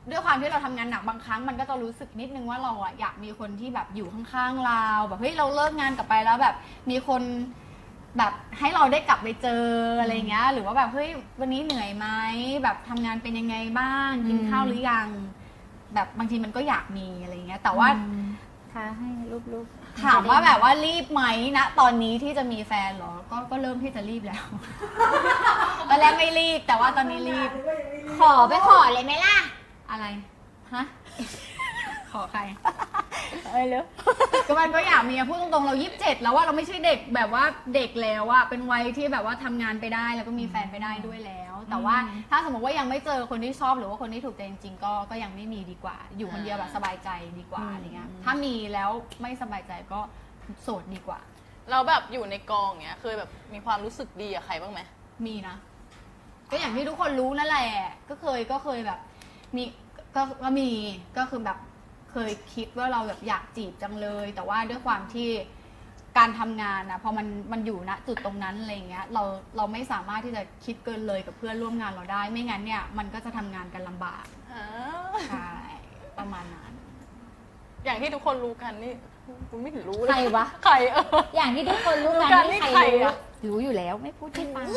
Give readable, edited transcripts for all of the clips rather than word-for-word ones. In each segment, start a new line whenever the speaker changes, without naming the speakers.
ด้วยความที่เราทำงานหนักบางครั้งมันก็จะรู้สึกนิดนึงว่าเราอะอยากมีคนที่แบบอยู่ข้างๆเราแบบเฮ้ยเราเลิกงานกลับไปแล้วแบบมีคนแบบให้เราได้กลับไปเจออะไรเงี้ยหรือว่าแบบเฮ้ยวันนี้เหนื่อยไหมแบบทำงานเป็นยังไงบ้างกินข้าวหรือยังแบบบางทีมันก็อยากมีอะไรเงี้ยแต่ว่า
ค่ะให้รูป
ถามว่าแบบว่ารีบไหมนะตอนนี้ที่จะมีแฟนเหรอก็เริ่มที่จะรีบแล้ว ตอนแรกไม่รีบแต่ว่าตอนนี้รีบ
ขอไปขอเลยไหมล่ะ
อะไรฮะ ขอใคร
เลย
ก็มันก็อยากมีพูดตรงๆเรา27แล้วว่าเราไม่ใช่เด็กแบบว่าเด็กแล้วอะเป็นวัยที่แบบว่าทำงานไปได้แล้วก็มีแฟนไปได้ด้วยแล้ว แต่ว่าถ้าสมมติว่ายังไม่เจอคนที่ชอบหรือว่าคนที่ถูกใจจริงๆก็ยังไม่มีดีกว่า อยู่คนเดียวแบบสบายใจดีกว่าอะไรเงี้ยถ้ามีแล้วไม่สบายใจก็โสดดีกว่า
เราแบบอยู่ในกองเงี้ยเคยแบบมีความรู้สึกดีกับใครบ้างไหม
มีนะ ก็อย่างที่ทุกคนรู้นั่นแหละก็เคยแบบมีก็มีก็คือแบบเคยคิดว่าเราแบบอยากจีบจังเลย แต่ว่าด้วยความที่การทำงานนะพอมันอยู่ณจุดตรงนั้นอะไรเงี้ยเราไม่สามารถที่จะคิดเกินเลยกับเพื่อนร่วมงานเราได้ ไม่งั้นเนี่ยมันก็จะทำงานกันลำบากใช่ประมาณนั้น
อย่างที่ทุกคนรู้กันนี่คุณไม่เห็นรู้เลย
ใครวะ
ใคร
อย่างที่ทุกคนรู้
รู้
กั
กัน น
นี่
นี่
ใค
ใค
ร
ร
รู้
อะ
รู้อยู่แล้วไม่พูดให้ฟัง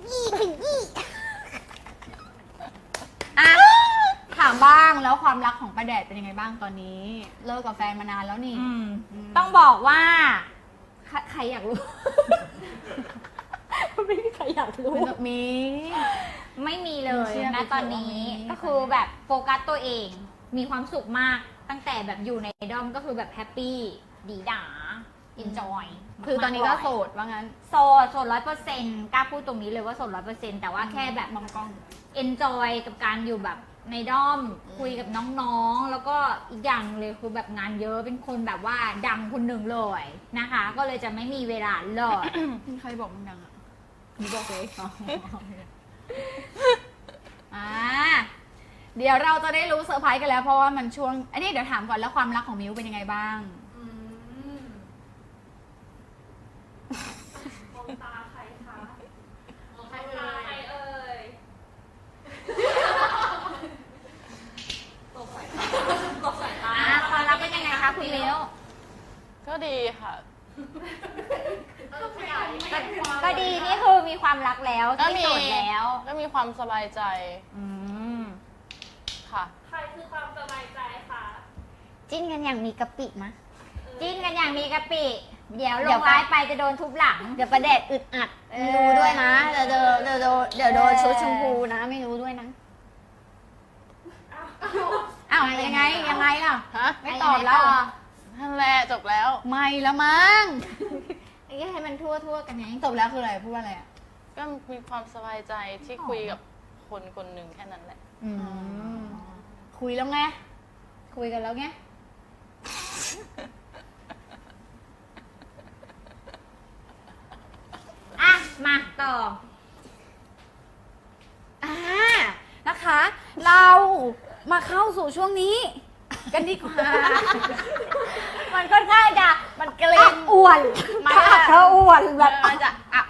อ่ะถามบ้างแล้วความรักของป้าแดดเป็นยังไงบ้างตอนนี้ เลิกกับแฟนมานานแล้วนี่
ต้องบอกว่าใครอยากรู้ ไม่มีใครอยากรู้
มี
ไม่มีเลย
เชื่อ
นะตอนนี้
ไม่มี
ก็คือแบบโฟกัสตัวเอง มีความสุขมากตั้งแต่แบบอยู่ในดอมก็คือแบบแฮปปี้ดีด่าอินจอย
คือตอนนี้ก็โสดว่างั้น
โสด100%กล้าพูดตรงนี้เลยว่าโสด100%แต่ว่าแค่แบบ
มองกล้อง
เอนจอยกับการอยู่แบบในด้อมคุยกับน้องๆ แล้วก็อีกอย่างเลยคือแบบงานเยอะเป็นคนแบบว่าดังคนหนึ่งเลยนะคะ ก็เลยจะไม่มีเวลาเลย
ใครบอกมึงดังอ่ะมึงบอกเลยเดี๋ยวเราจะได้รู้เซอร์ไพรส์กันแล้วเพราะว่ามันช่วงอันนี้เดี๋ยวถามก่อนแล้วความรักของมิวเป็นยังไงบ้าง
มองตาใครคะมองใครเอ่ยตกสายตา
ความรักเป็นยังไงคะคุณมิว
ก็ดีค่ะ
ต้องขยายไม่ได้ความ
ก็ดีนี่คือมีความรักแล้ว
ก็
ที่
มี
โสดแล้ว
ก็มีความสบายใจ
อืม
ค่ะ
ใครคือความสบายใจคะ
จิ้นกันอย่างมีกะปิมะจิ้นกันอย่างมีกะปิ เดี๋ยวล
เดี๋ยว
งไลน์ไปจะโดนทุบหลัง
เดี๋ยวประเด็ดอึดอัดไม่รู้ด้วยนะเดี๋ยวโดนชุดชมพูนะไม่รู้ด้วยนะอ้าวยังไงล่ะ
ฮะ
ไม่ตอบแล้ว
นั่นแหละจบแล้ว
ไม่แล้วมั้ง
ให้มันทั่วกันไง
จบแล้วคืออะไรพูดว่าอะไรอ่ะ
ก็มีความสบายใจที่คุยกับคนคนหนึ่งแค่นั้นแหละ
คุยแล้วไงคุยกันแล้วไง
อ่ะ มาต่อ
นะคะ เรามาเข้าสู่ช่วงนี้ กันดีกว่า
มันค่อนข้างจะ
มันเกรง
อ้วน
มัน
ถ้าอ้วนแบบ
มันจะ